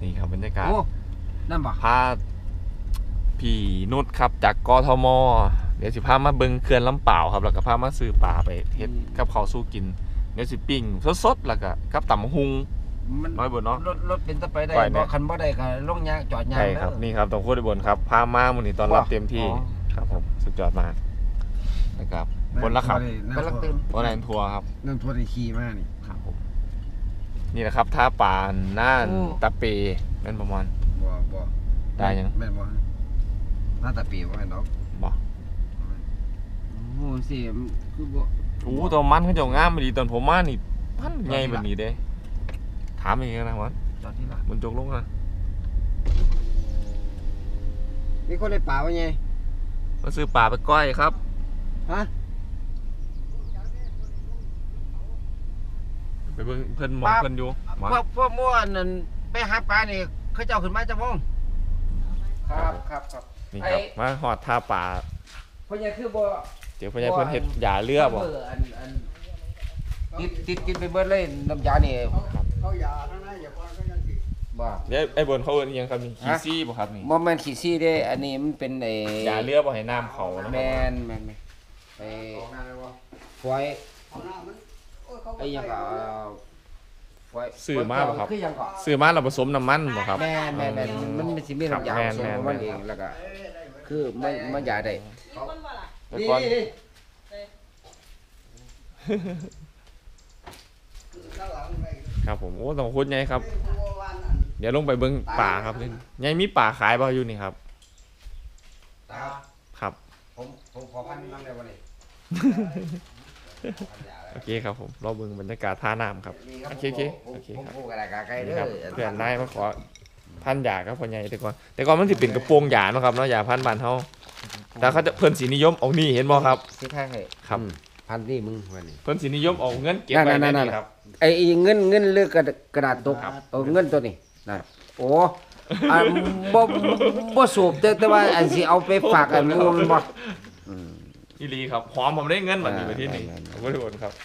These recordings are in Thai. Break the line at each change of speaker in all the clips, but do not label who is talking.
นี่ครับบรรยากาศ
นั่นบ่
พาพี่นุชครับจากกทมเดี๋ยวสิพามาเบิ่งเขื่อนลำเปล่าครับแล้วก็พามาซื้อปลาไปเฮ็ดกับข้าวสู้กินเดี๋ยวสิปิ้งสดๆแล้วก็กับตำหุงน้อยบนเนาะ
รถเป็นตะไปได้บ่คันบ่ได้ก็ลงยางจอดยาง
ใช่ครับนี่ครับตรงพูดบนครับพามามื้อนี้ตอนรับเต็มที่ครับผมสุดยอดมากนะครับบนละครับ
กำลังตื่น
บนแลนทัวร์ครับ
นั่นทัวร์ได้ขี่มานี่
ครับผมนี่แหละครับท่าป่าน่านตะเปนั่นประมาณ
บ่
ได้ยัง
แม่นบ่หน้าตาปีบ่แม่นดอก
บ่
โอ้สิคือบ่
โอ้ตัวมันเขาเจ้างามดีตอนผมมานี่พันใหญ่แบบนี้เด้ถามอีกนะวัน
จอดที่ละ
มันจกลงนะ
มีคนได้ป่าบ่ไง
มาซื้อป่าไปก้อยครับ
ฮะ
ไปเบิ่งเพิ่นหมอเพิ่นอยู่
พวกม่วนนั่นไปหาปลานี่เขาเจ้าขึ้นมาจังม่วงครับ
นี่ครับมาหอดท่าป่า
พ่อใหญ่คือบ่
เดี๋ยวพ่อใหญ่เพิ่นเฮ็ดยาเรือบ่
ติดกินไปเบิดเลยน้ำยานี่เขายาทั้งนั้นอย่าพอก็ยังสิบ่
เดี๋ยวไอ้บนเขาเอิ้นอีหยังครับนี่ขี้ซี่บ่ครับนี่
บ่แม่นขี้ซี่เด้อันนี้มันเป็นไอ้
ยาเรือบ่ให้น้ำเขานะ
แม่นไปฝอยไอ้ยังก็
ซื้อมาบ่ครับซื้อมาแล้วผสมน้ำมันบ่ครับ
แม่นมันสิมีน้ำยาผสมของมันเองแล้วก็คือมันยาได้
แต่ก่อนครับผมโอ้ต้องพูดไงครับเดี๋ยวลงไปเบิ้งป่าครับนี่ยังมีป่าขายบ่อยู่นี่ครับครับ
ผมขอพันน้ำได้วันนี้
โอเคครับผมรอเบิ้งบรรยากาศท่าน้ำครับโอเคครับเพื่อนได้มาขอพันยาครับพ่อใหญ่แต่ก่อนมันสิเป็นกระโปรงยาเนาะครับเนาะยาพันบานเฮาแต่เขาจะเพิ่นสีนิยมเอานี่เห็นบ่ครับ
สิแท้ให้
ครับ
พันนี่มึงวันนี้
เพิ่นสีนิยมเอาเงินเก็บไว้ในนี่ครับ
ไอ้เงินเลือกกระดาษตกเอาเงินตัวนี้นั่นโอ้บ่สูบแต่ว่าอันสิเอาไปฝากอันมูลบ่
อีหลีครับหอมผมได้เงินบัดนี้ไปที่นี่ผมบ่ได้บ่นครับ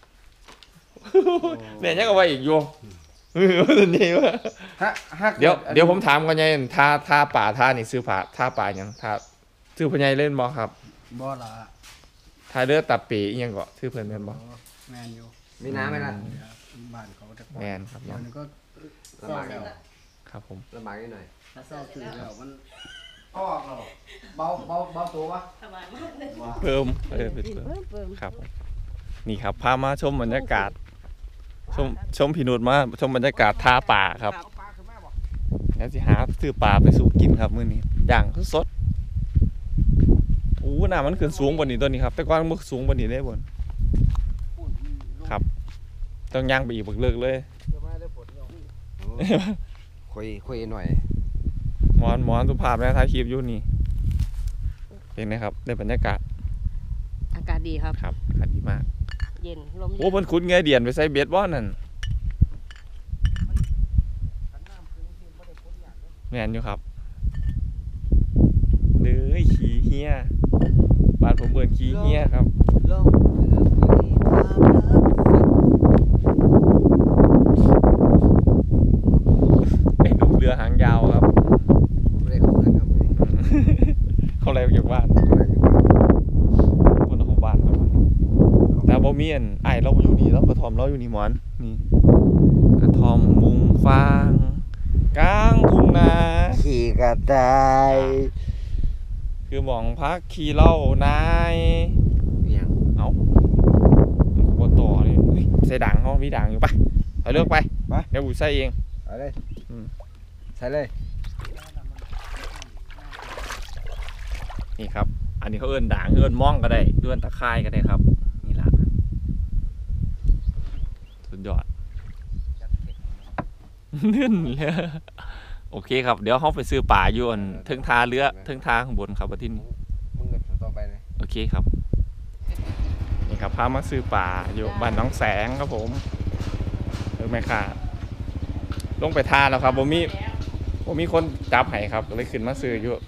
เนี่ยยังเอาไว้อีกอยู่นี่ว่าเดี๋ยวผมถามก่อนไงท่าป่าท่านี่ซื้อท่าป่าหยังท่าซื้อพ่อใหญ่เล่นบ่ครับ
บ่ล่ะ
ท่าเรือตับปีอีหยังก็ซื้อเพิ่นแม่นบ่
แม่นอยู่มีน้ำไหมล่ะบ้านเขาจะ
แม่นครับ
มันก็ลำบากแล้ว
ครับผม
ลำบากนิดหน่อยถ้าเศร้าตื่นแล้วมันออกแล้วเบาตัววะ
เพิ่มครับนี่ครับพามาชมบรรยากาศชมพี่นุชมาชมบรรยากาศท่าป่าครับแล้วสิหาซื้อปลาไปสู่กินครับมื้อนี้อย่างสดน้ามันขึ้นสูงกว่านี้ตัวนี้ครับแต่ก่อนมันสูงกว่านี้ได้บนครับต้องย่างไปอีกบักเลิกเลย
คุยหน่อย
มอนสุภาพนะถ่ายคลิปอยู่นี่เห็นไหมครับในบรรยากาศ
อากาศดีครับ
ครับอากาศดีมาก
เย็นลม
โอ้เพิ่นขุดเงยเดียนไปใส่เบ็ดบ่นั่นแม่นอยู่ครับเด้อขี้เหี้ยบ้านผมเบิ่นขี้เหี้ยครับไอ้หนุ่มเรือหางยาวครับเขาอะไรอยู่บ้านคนของบ้านครับแต่บ่มีอันไอ้เราอยู่นี่แล้วกระท่อมเราอยู่นี่หมอนนี่กระท่อมมุงฟางกลางทุ่งนา
ขี่กระต่าย
คือหมองพักขี่เล่านายเอาบ่ต่อนี่ใส่ด่างเขามีด่างอยู่ปะเอาเลือกไปเดี๋ยวกูใส่เอง
เอาเลยใส่เลย
นี่ครับอันนี้เขาเอิ้นด่างเอิ้นม่องก็ได้เอิ้นตะไคร้ก็ได้ครับนี่ล่ะสุดยอดนึ่นเลยโอเคครับเดี๋ยวเขาไปซื้อป่าอยู่ทึงทาเรือทึงทาข้างบนครับที่นี่
มึงต่อไปเลย
โอเคครับนี่ครับพามาซื้อป่าอยู่บ้านน้องแสงครับผมแม่ค่ะลงไปทาแล้วครับผมมีคนจับให้ครับเลยขึ้นมาซื้ออยู่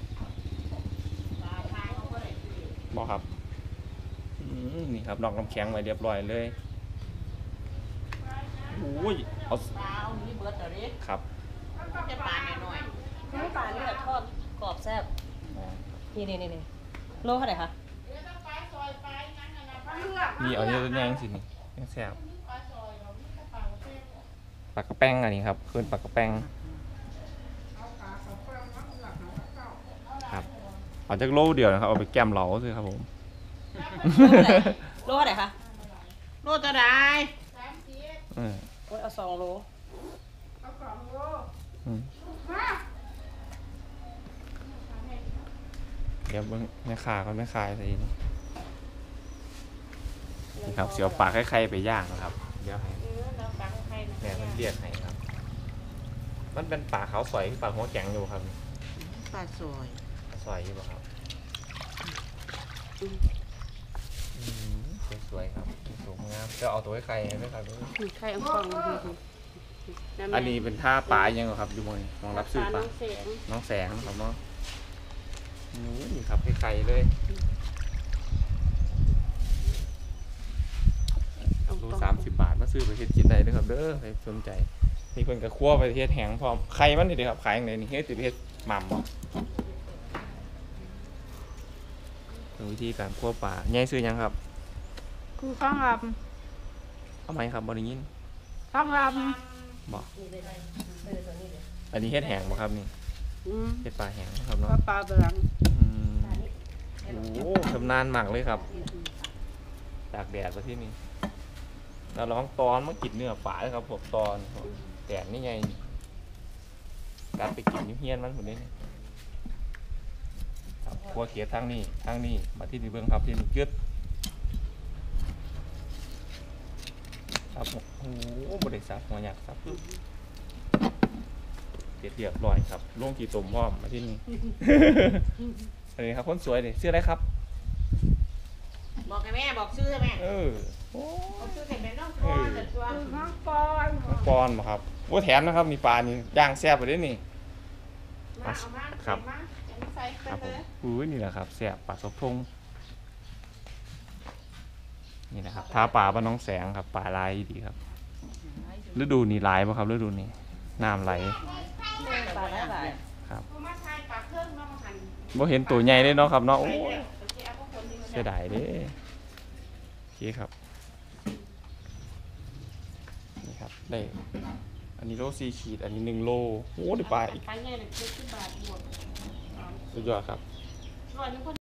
บอกครับนี่ครับนอกน้ำแข็งไว้เรียบร้อยเลยโอ้ยเอาครับ
จะปลาหน่อย
น้ำปลาเนี่ยทอดกรอบแซ่บนี่โลเท่าไหร่คะ
นี่เอาเยอะแยงสินี่ยังแซ่บปลากระแป้งอันนี้ครับคือปลากระแป้งครับเอาจากโลเดียวนะครับเอาไปแก้มเหลาสิครับผม
โลเท่าไหร่คะ
โลจะได้
เออ
โอ้ยเอา2 โล
อืมเดี๋ยวเบิ่งแม่ค้าก็ไม่ขายสินี่ครับเสียวปลาไข่ๆไปย่างนะครับเดี๋ยวให้
เราปลาใคร
แม่มันเรียกให้ครับ มันเป็นปลาขาวสวยปลาหัวแข็งอยู่ครับ
ปลาสวย
สวยอยู่ป่ะครับสวยๆครับสวยงามจะเอาตัวไข่ไหมครับ
ไข่อังฟอง
อันนี้เป็นท่าปลายังเหรอครับอยู่มวยมองรับซื้อปลา
เสียง
น้องแสงครับเนาะนี่ครับไข่ๆเลยรู30 บาทมาซื้อไปเฮ็ดกินได้เด้อครับเด้อใครสนใจนี่เพิ่นก็คั่วไปเฮ็ดแห้งพร้อมไข่มันนี่เด้อครับขายอย่างไรนี่เฮ็ดสิไปเฮ็ดหม่ำบ่เป็นวิธีการคั่วปลาใหญ่ซื้อหยังครับ
คือข้างล
เอาไหมครับบ่ได้ยิน
ำข้างล
บ่อันนี้เฮ็ดแห้งบ่ครับนี่
ำ
เฮ็ดปลาแห้งนะครับเนาะ
ปลาเบลัง
อืมโอ้ชำนาญมากเลยครับตากแดดมาที่นี่เราลองตอนมากินเนื้อปลาเลยครับผมตอนแดดนี่ไงการไปกินนิ้วเฮียนมันหมดเลยครับครัวเขียดทางนี้มาที่นี่เบื้องครับที่นี่กึดครับโอ้โหบริษัทหัวหยักครับเรียบร้อยครับล่วงกี่ตุ่มพร้อมมาที่นี่ อันนี้ครับคนสวยเลยชื่ออะไรครับ
บอกให้แม่บอกชื่อให้แม่
เออโอ้
บอกชื่อให้แม่น้องปอนแต่ตัวน้องปอน
น้องปอนบ่ครับว่าแถมนะครับมีปลานี่ย่างแซ่บไปด้วยนี่
มาเอามา
ครับ
เอามาใส่ไป
ครับผ
เล
ม
ย
อุ้ยนี่แหละครับแซ่บปลาสบทงนี่นะครับท่าปลาบ้านน้องแสงครับปลาลายดีครับฤดูนี้หลายป่ะครับฤดูนี้น้ำไหล
ปลาหลาย
ครับ
เอามาใส่ปลาเครื่องน้องหัน
บ่เห็นตัวใหญ่เลยเนาะครับเนาะโอ้
ไป
ย
แล้วโอเคเอาพวกคนนี้มา
เสียดายเด้โอเคครับนี่ครับได้อันนี้โล4 ขีดอันนี้1 โลโอ้ได้ปลาอีก
ไปไงเลย70 บาทบวก
สุดยอดครับ
100นึง